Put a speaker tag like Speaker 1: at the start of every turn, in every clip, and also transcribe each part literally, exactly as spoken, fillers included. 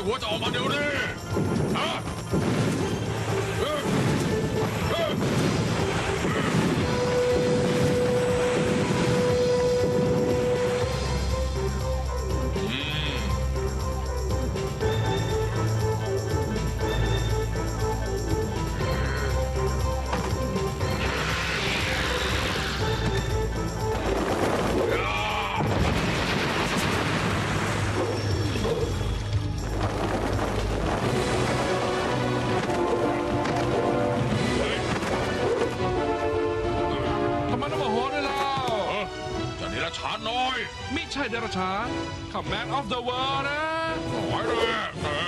Speaker 1: หัวจะออกมาเดี๋ยวนี้ฮะ
Speaker 2: ไม่ใช่เดรัจฉานข้า Man of the World นะ
Speaker 1: หายเลย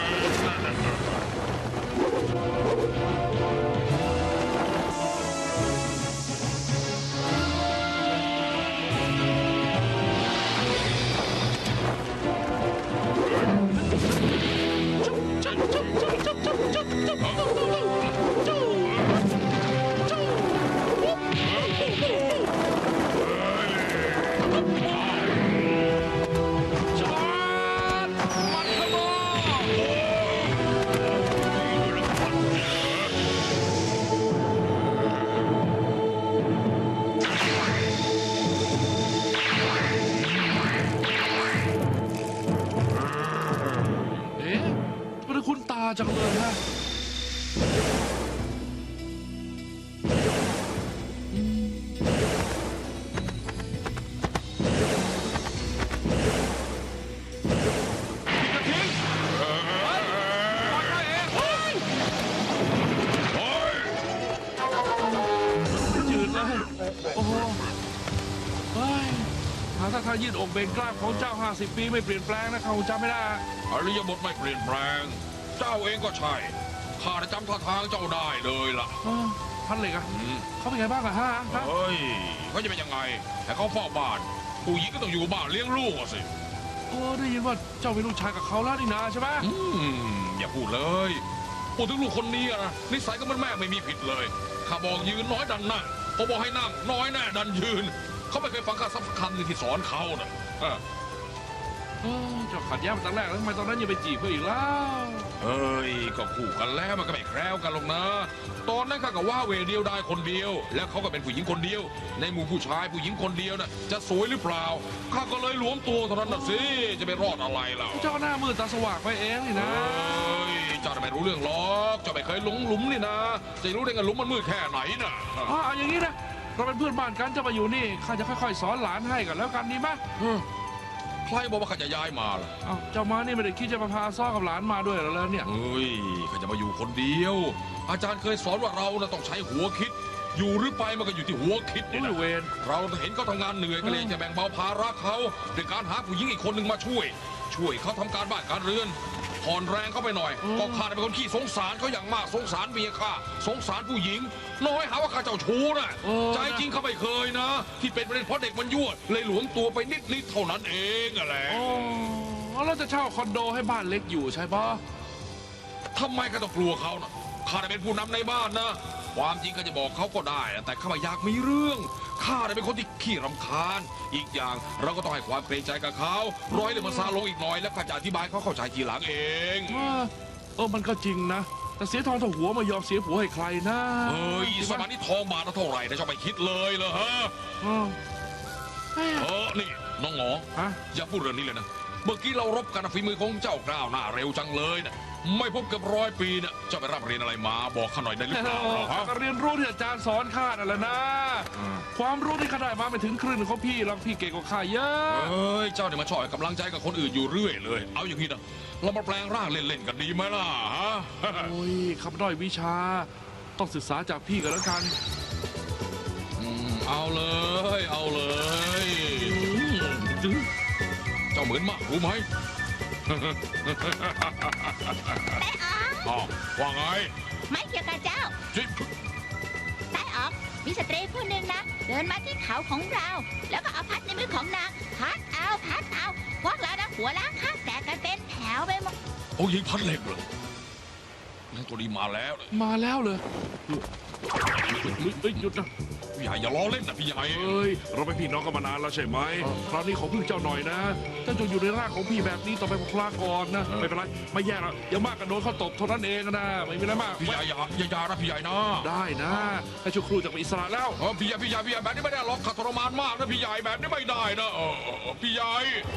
Speaker 2: จังเลยฮะจืดเลยโอ้โหถ้าทางยืดอกเบ่งกล้ามของเจ้าห้าสิบปีไม่เปลี่ยนแปลงนะเขาจำไม่ได้
Speaker 1: อริยบทไม่เปลี่ยนแปลงเจ้าเองก็ใช่ข้าจำท่าทางเจ้าได้เลยล่ะ
Speaker 2: ท่านเหล็กอะเขาเป็นไงบ้างอะฮะ
Speaker 1: เฮ้ยเขาจะเป็นยังไงแต่เขาเฝ้าบ้านผู้หญิงก็ต้องอยู่บ้านเลี้ยงลูกสิ
Speaker 2: โอ้ได้ยินว่าเจ้าเป็นลูกชายกับเขาแล้วนี่นาใช่ไหม
Speaker 1: อย่าพูดเลยพูดถึงลูกคนนี้นะนิสัยก็มันแม่ไม่มีผิดเลยข้าบอกยืนน้อยดันนั่งพอบอกให้นั่งน้อยแน่ดันยืนเขาไม่เคยฟังข้าสักคำหนึ่งที่สอนเขานะ
Speaker 2: เจ้าขัดแย้งมาตั้งแรกแล้วทำไมตอนนั้นยังไปจีบเขาอีกแล้ว
Speaker 1: เฮ้ยก็คู่กันแล้วมันก็ไม่แคล้วกันหรอกนะตอนนั้นข้าก็ว่าเวเดียวได้คนเดียวแล้วเขาก็เป็นผู้หญิงคนเดียวในหมู่ผู้ชายผู้หญิงคนเดียวน่ะจะสวยหรือเปล่าข้าก็เลยหลวมตัวเท่านั้นน่ะสิจะไปรอดอะไรล่ะ
Speaker 2: เจ้าหน้ามืดตาสว่างไปเองนี่นะ
Speaker 1: เฮ้ยเจ้าไม่รู้เรื่องหรอกเจ้าไม่เคยหลงหลุมนี่นะจะรู้ได้ไงหลุมมันมืดแค่ไหนน่ะ
Speaker 2: อ๋ออย่างนี้นะเราเป็นเพื่อนบ้านกันจะมาอยู่นี่ข้าจะค่อยๆสอนหลานให้กันแล้วกันดีไหม
Speaker 1: ใครบอกว่าข้าจะย้ายมาล่ะ
Speaker 2: อ้าวเจ้ามานี่ไม่ได้คิดจะมาพาซ้อกับหลานมาด้วยหรอแล้วเนี่ย
Speaker 1: เฮ้ยข้าจะมาอยู่คนเดียวอาจารย์เคยสอนว่าเราน่ะต้องใช้หัวคิดอยู่หรือไปมันก็อยู่ที่หัวคิดนี่นะเราเห็นเขาทำงานเหนื่อยก็เลยจะแบ่งเบาภาระเขาด้วยการหาผู้หญิงอีกคนหนึ่งมาช่วยช่วยเขาทำการบ้านการเรือนผ่อนแรงเข้าไปหน่อยก็ข้าเป็นคนขี้สงสารเขาอย่างมากสงสารเมียข้าสงสารผู้หญิงน้อยหาว่าข้าเจ้าชู้น่ะใจจริงเขาไม่เคยนะที่เป็นประเด็นเพราะเด็กมันยั่วเลยหลวมตัวไปนิดนิดเท่านั้นเองอะแหละ
Speaker 2: เราจะเช่าคอนโดให้บ้านเล็กอยู่ใช่ปะ
Speaker 1: ทำไมข้าต้องกลัวเขาน่ะข้าเป็นผู้นำในบ้านนะความจริงข้าจะบอกเขาก็ได้แต่ข้าไม่อยากมีเรื่องข้าเป็นคนที่ขี้รำคาญอีกอย่างเราก็ต้องให้ความเกรงใจกับเขาร้อยเลยมันซาลงอีกหน่อยแล้วข้าจะอธิบายเขาเข้าใจทีหลังเอง
Speaker 2: เออมันก็จริงนะแต่เสียทองเท่าหัวไม่ยอมเสียผัวให้ใครนะ
Speaker 1: เฮ้ยสมัยนี้ทองบาทเท่าไหร่นะจะไปคิดเลยเหรอฮะเออนี่น้องหงออย่าพูดเรื่องนี้เลยนะเมื่อกี้เรารบกันฝีมือของเจ้ากล้าวหน้าเร็วจังเลยนะไม่พบกับร้อยปีเนี่ยเจ้าไปรับเรียนอะไรมาบอกข้าหน่อยได้หรือเปล่า
Speaker 2: เรียนรู้ที่อาจารย์สอนข้านั่นแหละนะความรู้ที่ข้าได้มาไม่ถึงครึ่งของพี่หรอกพี่เก่งกว่าข้าเยอะ
Speaker 1: เฮ้ยเจ้าเนี่ยมาช่วยกำลังใจกับคนอื่นอยู่เรื่อยเลยเอาอย่างนี้นะเรามาแปลงร่างเล่นๆกันดีไหมล่ะฮะ
Speaker 2: โอ้ยคำด้อยวิชาต้องศึกษาจากพี่กันแล้วกัน
Speaker 1: เอาเลยเอาเลยเจ้าเหมือนมากรู้ไหมแม่อ๋อว่าไง
Speaker 3: ไม่เกี่ยวกับเจ้าใต้ออกมีสตรีผู้หนึ่งนะเดินมาที่เขาของเราแล้วก็เอาพัดในมือของนางพัดเอาพัดเอาพวกเรานะหัวล้างข้างแตกกันเป็นแถวไปหมด
Speaker 1: โอ้ยิงพัดเหล็กเลยนั่นตัวนี้มาแล้ว
Speaker 2: มาแล้วเลยเฮ้ยหยุดนะ
Speaker 1: พี่ใหญ่อย่าล้อเล่นนะพี่ใหญ่
Speaker 2: เอ้ยเราเป็นพี่น้องกันมานานแล้วใช่ไหมคราวนี้ขอพึ่งเจ้าหน่อยนะเจ้าจะอยู่ในร่างของพี่แบบนี้ต่อไปพลาก่อนนะไม่เป็นไรไม่แย่หรอกอย่ามากกันโดนเขาตบเท่านั้นเองนะไม่มีอะไรมาก
Speaker 1: พี่ใหญ่อย่าอย่าอย่านะพี่ใหญ่นะ
Speaker 2: ได้นะให้ชั่วครู่จะเป็นอิสระแล้ว
Speaker 1: เออพี่ใหญ่พี่ใหญ่พี่ใหญ่แบบนี้ไม่ได้หรอกขัดทรมานมากนะพี่ใหญ่แบบนี้ไม่ได้นะเออเออเออพี่ใหญ่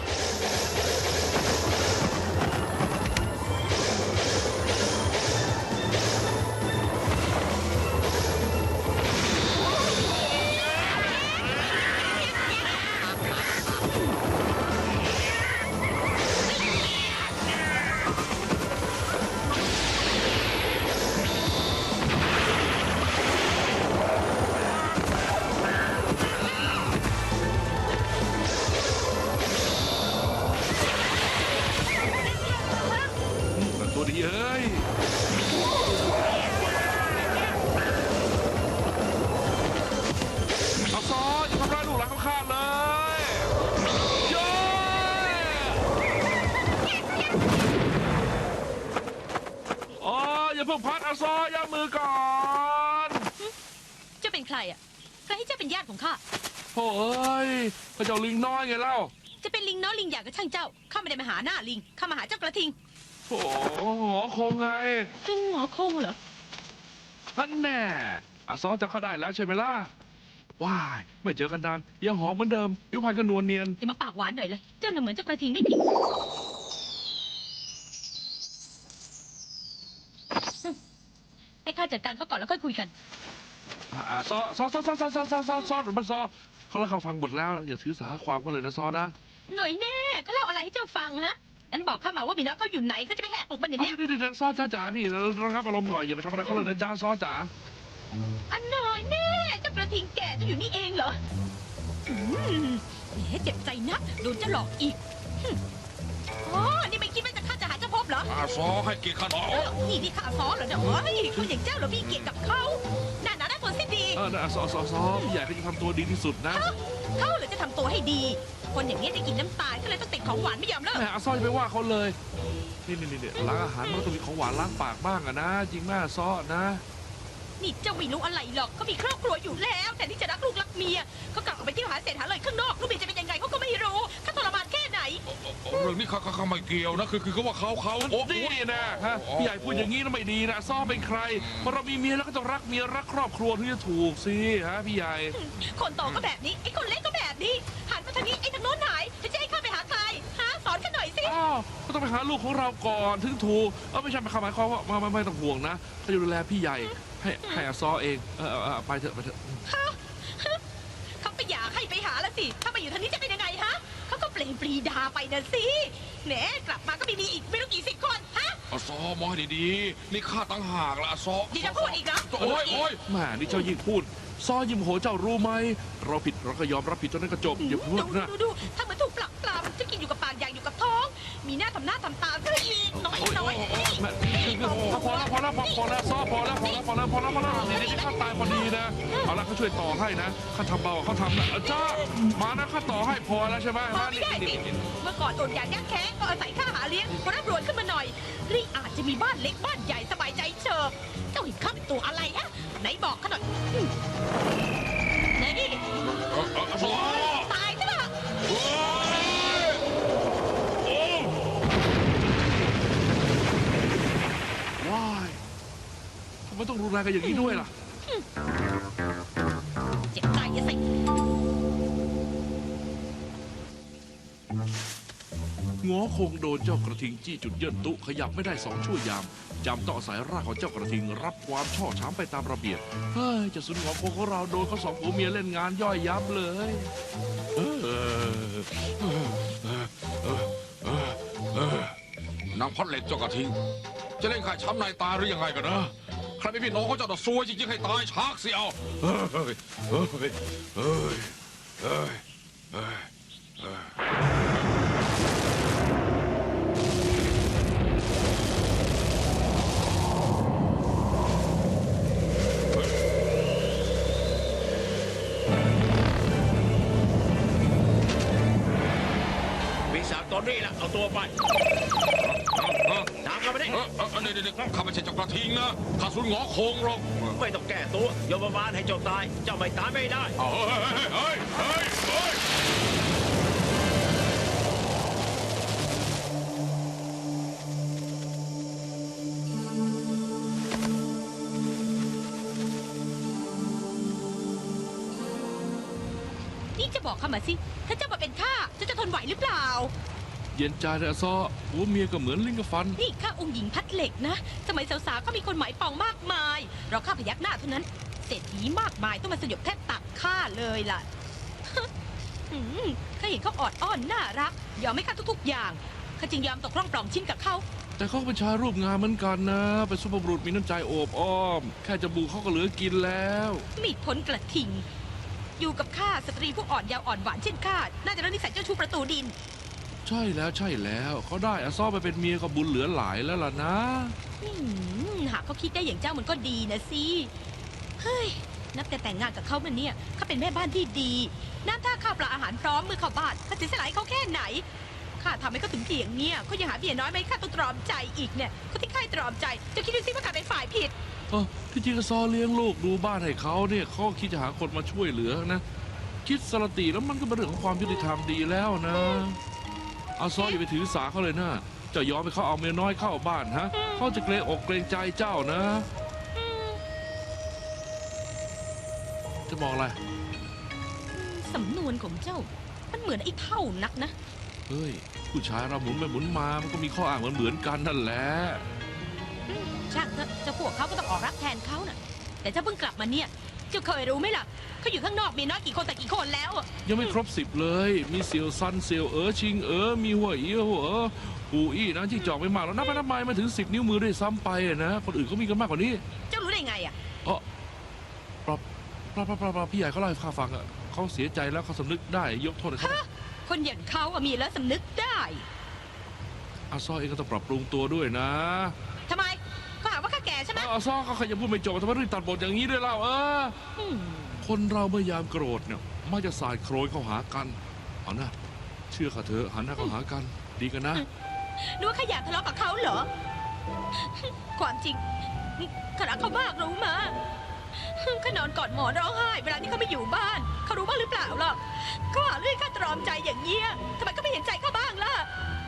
Speaker 2: ตัวดีเอ้ยเอาซออย่าทำร้ายลูกหลานเขาขาดเลยโย้อ๋ออย่าเพิ่งพัดเอาซอย่ามือก่อน
Speaker 4: เจ้าเป็นใครอ่ะใครให้เจ้าเป็นญาติของข้า
Speaker 2: โอ้ยพระเจ้าลิงน้อยไงเล่า
Speaker 4: จะเป็นลิงน้อยลิงใหญ่ก็ช่างเจ้า ข้าไม่ได้มาหาหน้าลิง ข้ามาหาเจ้ากระทิง
Speaker 2: โอ้โหคงไง
Speaker 4: ลิงหมอคงเหรอ
Speaker 2: นั่นแน่อาซอจะเข้าได้แล้วใช่ไหมล่ะว้ายไม่เจอกันนานยังหอมเหมือนเดิมผิวพรรณก็นวลเนียน
Speaker 4: อย่ามาปากหวานหน่อยเลย เจ้าน่ะเหมือนเจ้ากระทิงไม่ผิดให้ข้าจัดการเขาก่อนแล้วค่อยคุยกัน
Speaker 2: อ่าซอซอซอซอซอซอซอซอซอมันซอเขาแล้วเขาฟังหมดแล้วอย่าถือสาความก็เลยนะซอนะ
Speaker 4: หน่อยแน่เขาเล่าอะไรให้เจ้าฟังฮะนั้นบอกข้ามาว่ามีน้องเขาอยู่ไหนเขาจะไปแหกอกมันเดี๋ยว
Speaker 2: เอา
Speaker 4: นี้
Speaker 2: เดี๋ยวเดี๋ยวซอจ้าจ๋านี่ระงับอารมณ์หน่อยอย่าไปทำอะไรเขาเลยนะจ้าซอจ๋า
Speaker 4: อันหน่อยแน่เจ้ากระทิงแก่จะอยู่นี่เองเหรออืมแหมเจ็บใจนักโดนเจ้าหลอกอีกหึอ๋อนี่ไม่คิดว่าจะข้าจะหาเจ้าพบเหรอ
Speaker 1: อาซอให้เกียรติข้าหน่อย
Speaker 4: เออนี่ที่ข้าซ้อเหรอเนี่ยเฮ้ยคนอย่างเจ้าเหรอพี่เกียรติกับเขาน่าหนาได้ผลสิ้นดี
Speaker 2: เออนะซอซอซอพี่ใหญ่เขาจะทำตัวดีที่สุดนะ
Speaker 4: เขาเหรือจะทำตัวให้ดี คนอย่างนี้ได้กินน้ำตาลก็เลยต้องติดของหวานไม่ยอมเลิก
Speaker 2: แหมอาซอจะไปว่าเขาเลยนี่นี่นี่ล้างอาหารมันก็ต้องมีของหวานล้างปากบ้างอะนะ จริงแม่ซอนะ
Speaker 4: นี่เจ้าไม่รู้อะไรหรอกเขามีครอบครัวอยู่แล้วแต่ที่จะรักลูกรักเมียเขากลับออกไปเที่ยวหาเศษหาเลยข้างนอกลูกเมียจะเป็นยังไงเขาก็ไม่รู้เขาทรมานแค่ไหน
Speaker 1: เรื่องนี้ข้าข้าข้าไม่เกี่ยวนะคือคือเขาว่าเขาเขาโอ้โห
Speaker 2: นี่นะฮะพี่ใหญ่พูดอย่างนี้นะไม่ดีนะซอเป็นใครพอเรามีเมียแล้วก็ต้องรักเมียรักครอบครัวถึงจะถูกสิฮะพี่ใหญ่
Speaker 4: คนโตก็แบบนี้ไอ้คนเล็กก็แบบนี้หันมาทางนี้ไอ้ทางโน้นหายจะให้ข้าไปหาใครหาสอนข้าหน่อยสิ
Speaker 2: อ้าวก็ต้องไปหาลูกของเราก่อนถึงถูกเออไม่ใช่หมายความว่าไม่ไม่ไม่ต้องห่วงนะเขาจะดูแลพี่ใหญ่ให้ให้อาซอเองเออเออเออไปเถอะไปเถอะ
Speaker 4: เขาไปอยากให้ไปหาแล้วสิถ้ามาอยู่ทางนี้จะเป็นยังไงฮะเขาก็เปล่งปรีดาไปนะสิแหมกลับมาก็ไม่มีอีกไม่รู้กี่สิบคนฮะ
Speaker 1: อาซอมองให้ดีๆนี่ข้าตั้งหากละอาซอ
Speaker 4: ดีจะพูดอีกเหรอ
Speaker 1: โอ้ยโอ้ย
Speaker 2: แหม่นี่เจ้ายิ่งพูดซอยิ้มโหเจ้ารู้ไหมเราผิดเราก็ยอมรับผิดจนนั้นก็จบอย่าพูด
Speaker 4: ดู
Speaker 2: นะ
Speaker 4: ดูดูถ้าเหมือนถูกปลักปลำจะกินอยู่กับปากอย่างอยู่กับท้อง มีหน้าทำหน้าทำตาก็เลยมีน้อยน้อย
Speaker 2: แม่พอแล้วพอแล้วพอพอแล้วซอพอแล้วพอแล้วพอแล้วพอแล้วพอแล้วนี่นี่ข้าตายพอดีนะเอาละเขาช่วยต่อให้นะข้าทำเบาเขาทำนะจ้ามานะข้าต่อให้พอแล้วใช่ไหม
Speaker 4: พอไม่ได้สิเมื่อก่อนอดอยากยากแค้นก็อาศัยข้าหาเลี้ยงพอร่ำรวยขึ้นมาหน่อยรีอาจจะมีบ้านเล็กบ้านใหญ่สบายใจเชิบเจ้าเห็นข้าเป็นตัวอะไรฮะไหนบอกข้าหน่อยไหนนี่
Speaker 1: อาซอ
Speaker 4: ตายใช่ปะ
Speaker 2: ว้ายทำไมต้องรุนแรงกันอย่างนี้ด้วยล่ะ
Speaker 4: เจ็บใจอะสิ
Speaker 2: ง้อคงโดนเจ้ากระทิงจี้จุดเยินตุขยับไม่ได้สองชั่วยามจำต้องอาศัยรากของเจ้ากระทิงรับความช่อช้ำไปตามระเบียบเฮ้ยเจะสุนงอคงของเราโดนเขาสองผัวเมียเล่นงานย่อยยับเลยเออ
Speaker 1: นางพัดเหล็กเจ้ากระทิง จะเล่นขายช้ำในตาหรือยังไงกันนะใครไม่พี่น้องเขาเจะต้องซวยจริงๆให้ตายชากสิเอาเฮ้ยเฮ้ยเฮ้ยเฮ้ยเฮ้ยเฮ้ย
Speaker 5: ปีศาจตอนนี้ละเอาตัวไปตามไปลับมาดิ
Speaker 1: เออเออเดี๋ยวเดี๋ยวข้าไม่ใช่เจ้ากระทิงนะข้าสุนหงอคงหรอก
Speaker 5: ไม่ต้องแก้ตัวยมบาลให้เจ้าตาย เจ้าไม่ตายไม่ได้
Speaker 1: เอาเฮ้ยเฮ้ยเฮ้ยเฮ้ย
Speaker 4: นี่จะบอกข้ามาสิ ถ้าเจ้ามาเป็นข้าเจ้าจะทนไหวหรือเปล่า
Speaker 2: เย็นใจเลยอาซอหัวเมียก็เหมือนลิงกับฟัน
Speaker 4: นี่ข้าองค์หญิงพัดเหล็กนะ สมัยสาวๆก็มีคนหมายปองมากมาย เราข้าพยักหน้าเท่านั้น เศรษฐีมากมายต้องมาสยบแทบตักข้าเลยล่ะ อืมข้าเห็นเขาออดอ้อนน่ารัก ยอมให้ข้าทุกๆอย่างข้าจึงยอมตกร่องปล่องชิ้นกับเขา
Speaker 2: แต่เขาก็เป็นชายรูปงามเหมือนกันนะ เป็นสุภาพบุรุษมีน้ำใจโอบอ้อม แค่จมูกเขาก็เหลือกินแล้ว
Speaker 4: มีพ้นกระทิง อยู่กับข้าสตรีผู้อ่อนเยาว์อ่อนหวานเช่นข้า น่าจะรักนิสัยเจ้าชู้ประตูดิน
Speaker 2: ใช่แล้วใช่แล้วเขาได้อาซอไปเป็นเมียก็บุญเหลือหลายแล้วล่ะนะ
Speaker 4: อืมหากเขาคิดได้อย่างเจ้ามันก็ดีนะสิ เฮ้ย นับแต่แต่งงานกับเขามันเนี่ยเขาเป็นแม่บ้านที่ดี น้ำท่าข้าวปลาอาหารพร้อมมือเข้าบ้านข้าเสียสละให้เขาแค่ไหน ข้าทำให้เขาถึงเพียงเนี่ยเขายังหาเมียน้อยไหมข้าต้องตรอมใจอีกเนี่ยเขาที่ข้าตรอมใจจะคิดดูสิว่าข้าเป็นฝ่ายผิด
Speaker 2: เออที่จริงอาซอเลี้ยงลูกดูบ้านให้เขาเนี่ยเขาก็คิดจะหาคนมาช่วยเหลือนะ คิดสลติแล้วมันก็เป็นเรื่องของความยุติธรรมดีแล้วนะอาซออย่าไปถือสาเขาเลยนะเจะยอมให้เขาเอาเมียน้อยเข้าบ้านฮะเขาจะเกรงอกเกรงใจเจ้านะ จะบอกอะไร
Speaker 4: สำนวนของเจ้า มันเหมือนไอ้เท่านักนะ
Speaker 2: เฮ้ย ผู้ชายเราหมุนไปหมุนมามันก็มีข้ออ้างเหมือนเหมือนๆกันนั่นแหละ
Speaker 4: อืมช่างเถอะเจ้าพวกเขาก็ต้องออกรับแทนเขาน่ะ แต่เจ้าเพิ่งกลับมาเนี่ย เจ้าเคยรู้ไหมล่ะเขาอยู่ข้างนอกมีน้อยกี่คนแต่กี่คนแล้วอะ
Speaker 2: ยังไม่ครบสิบเลย มีเซียวซันเซียวเอ๋อชิงเอ๋อมีหัวอีหัวเอ๋อปูอี้นะที่จอกไม่มากแล้วนับไปนับมามาถึงสิบนิ้วมือด้วยซ้ำไปอะนะคนอื่นเขามีกันมากกว่านี้
Speaker 4: เจ้ารู้ได้ไงอ่ะ
Speaker 2: เออปรับปรับปรับปรับปรับพี่ใหญ่เขาเล่าให้ข้าฟังอะเขาเสียใจแล้วเขาสำนึกได้ยกโทษให้เขา
Speaker 4: คนอย่างเขาอะมีแล้วสำนึกได้
Speaker 2: อาซอเองก็ต้องปรับปรุงตัวด้วยนะ
Speaker 4: ทำไมก็หาว่าข้าแก่ใช่ไหม
Speaker 2: อาซอก็ขยันพูดไม่จบทำไมรีบตัดบทอย่างนี้ด้วยเล่าเออ
Speaker 4: อืม
Speaker 2: คนเราเมื่อยามโกรธเนี่ยมักจะสายโครยเข้าหากันเอานะเชื่อข้าเถอะหันหน้าเข้าหากัน ดีกันนะ
Speaker 4: นึกว่าข้าอยากทะเลาะกับเขาเหรอ ความจริงข้ารักเขามากรู้มาข้านอนกอดหมอนร้องไห้เวลาที่เขาไม่อยู่บ้าน เขารู้บ้างหรือเปล่าล่ะเขาหาเรื่องข้าตรอมใจอย่างเงี้ยทำไมก็ไม่เห็นใจเขาบ้างล่ะ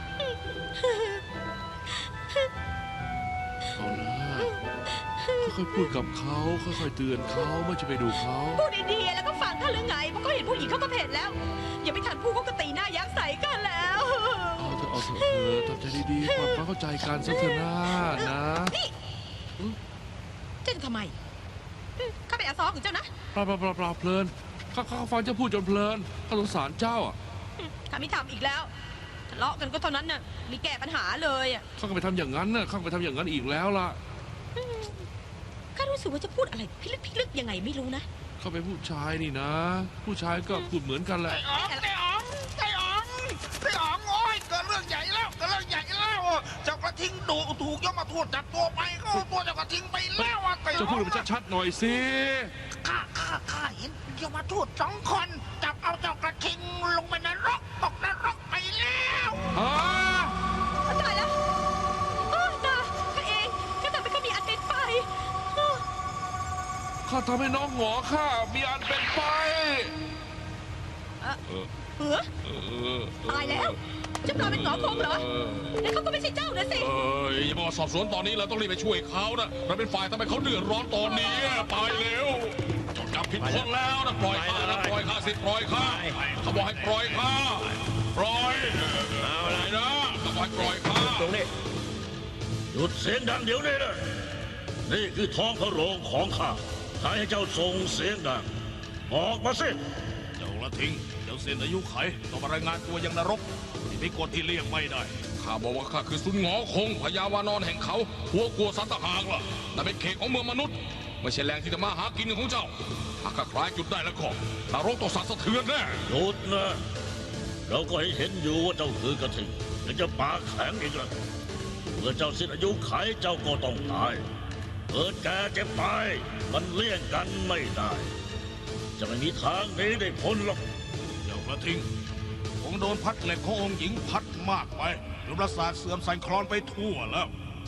Speaker 2: เอานะค่อยๆพูดกับเขาค่อยๆเตือนเขาไม่จะไปดูเขา
Speaker 4: พูดดีๆแล้วก็ฟังเขาหรือไงเพราะเขาเห็นผู้หญิงเขาก็เผ็ดแล้ว อย่าไปทันพูดเขาก็ตีหน้ายักษ์ใส่กันแล้ว
Speaker 2: เอาเถอะเอาเถอะเออทำใจดีๆปรับความเข้าใจกันสักเถอะนะนะ
Speaker 4: นี่เจ้าจะทำไมอืมข้าเป็นอาซอของเจ้านะ
Speaker 2: ปลาปลาปลาปลาเพลินข้าข้าฟังเจ้าพูดจนเพลินข้าสงสารเจ้าอ่ะ
Speaker 4: อืมข้าไม่ทำอีกแล้วทะเลาะกันก็เท่านั้นน่ะไมีแก้ปัญหาเลยอ่ะ
Speaker 2: ข้าก็ไปทำอย่างนั้นน่ะข้าก็ไปทำอย่างนั้นอีกแล้วล่ะ
Speaker 4: ข้ารู้สึกว่าจะพูดอะไรพิลึกพิลึกยังไงไม่รู้นะ
Speaker 2: ข้าเป็นผู้ชายนี่นะ ผู้ชายก็พูดเหมือนกันแหละ
Speaker 6: ไอ้อ๋องไอ้อ๋องไอ้อ๋องไอ้อ๋องโอ้ยเกิดเรื่องใหญ่แล้วเกิดเรื่องใหญ่แล้วเจ้ากระทิงดุถูกยกมาทูตจับตัวไปก็เอาตัวเจ้ากระทิงไปแล้วอ่ะไอ้
Speaker 2: จะ
Speaker 6: อ๋
Speaker 2: พู
Speaker 6: อ
Speaker 2: ด
Speaker 6: ง
Speaker 2: มันชัดๆหน่อยสิ
Speaker 6: ข้าข้าข้าเห็นยกมาทูตสองคนจับเอาเจ้ากระทิงลงไปนรกตกนรกไปแล้ว
Speaker 2: ฮะ
Speaker 4: ตายแล้วโอ้ตายข้าเองข้าทำให้ข้ามีอันเป็นไปอ้อ
Speaker 2: ข้าทำให้น้องหงอข้ามีอันเป็นไป
Speaker 4: เอ่อ
Speaker 2: เออ
Speaker 4: เหือ
Speaker 2: เออ
Speaker 4: ตายแล้วเจ้าปลาเป็นหงอคงเหรอ
Speaker 2: เออ
Speaker 4: แล้วเขาก็ไม่ใช่เจ้านะสิ
Speaker 1: เอ้ยอย่ามาสอบสวนตอนนี้เราต้องรีบไปช่วยเขานะเราเป็นฝ่ายทำให้เขาเดือดร้อนตอนนี้ไปเร็วจดจับผิดคนแล้วนะปล่อยข้านะปล่อยข้าสิปล่อยข้าเขาบอกให้ปล่อยข้าปล่อย
Speaker 5: เอา
Speaker 1: ปล่
Speaker 5: ละ
Speaker 1: อยนะเขาบอกให้ปล่อยข้า
Speaker 5: ตรงนี้
Speaker 7: หยุดเสียงดังเดี๋ยวนี้นะนี่คือท้องพระโรงของข้าใครให้เจ้าส่งเสียงดัง ออกมาสิ
Speaker 1: เจ้าละทิ้งเจ้าเส้นอายุไขต้องมารายงานตัวยังนรกที่มีกฎที่เลี่ยงไม่ได้ข้าบอกว่าข้าคือสุนหงอคงพญาวานอนแห่งเขาหัวกลัวสัตว์ทหารล่ะนั่นเป็นเขตของเมืองมนุษย์ไม่ใช่แหล่งที่จะมาหากินของเจ้าหากข้าคลายจุดได้แล้วก็นรกต้องสั่นสะเทือนแน่
Speaker 7: หยุดนะ เราก็เห็นอยู่ว่าเจ้าคือกระทิงยังจะปากแข็งอีกละเมื่อเจ้าสิ้นอายุไขเจ้าก็ต้องตายเกิดแก่เจ็บตายมันเลี่ยงกันไม่ได้ จะไม่มีทางหนี้ได้พ้นหรอก
Speaker 6: เจ้ากระทิงคงโดนพัดเหล็กขององค์หญิงพัดมากไปจนประสาทเสื่อมสั่นคลอนไปทั่วแล้ว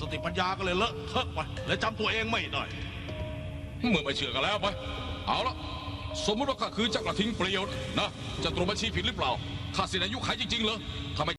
Speaker 6: สติปัญญาก็เลยเลอะเทอะไปและจำตัวเองไม่ได้
Speaker 1: เมื่อไม่เชื่อกันแล้วไป เอาละสมมติว่าข้าคือเจ้ากระทิงเปลี่ยวนะจะตรวจบัญชีผิดหรือเปล่าข้าสิ้นอายุไขจริงๆเหรอทำไม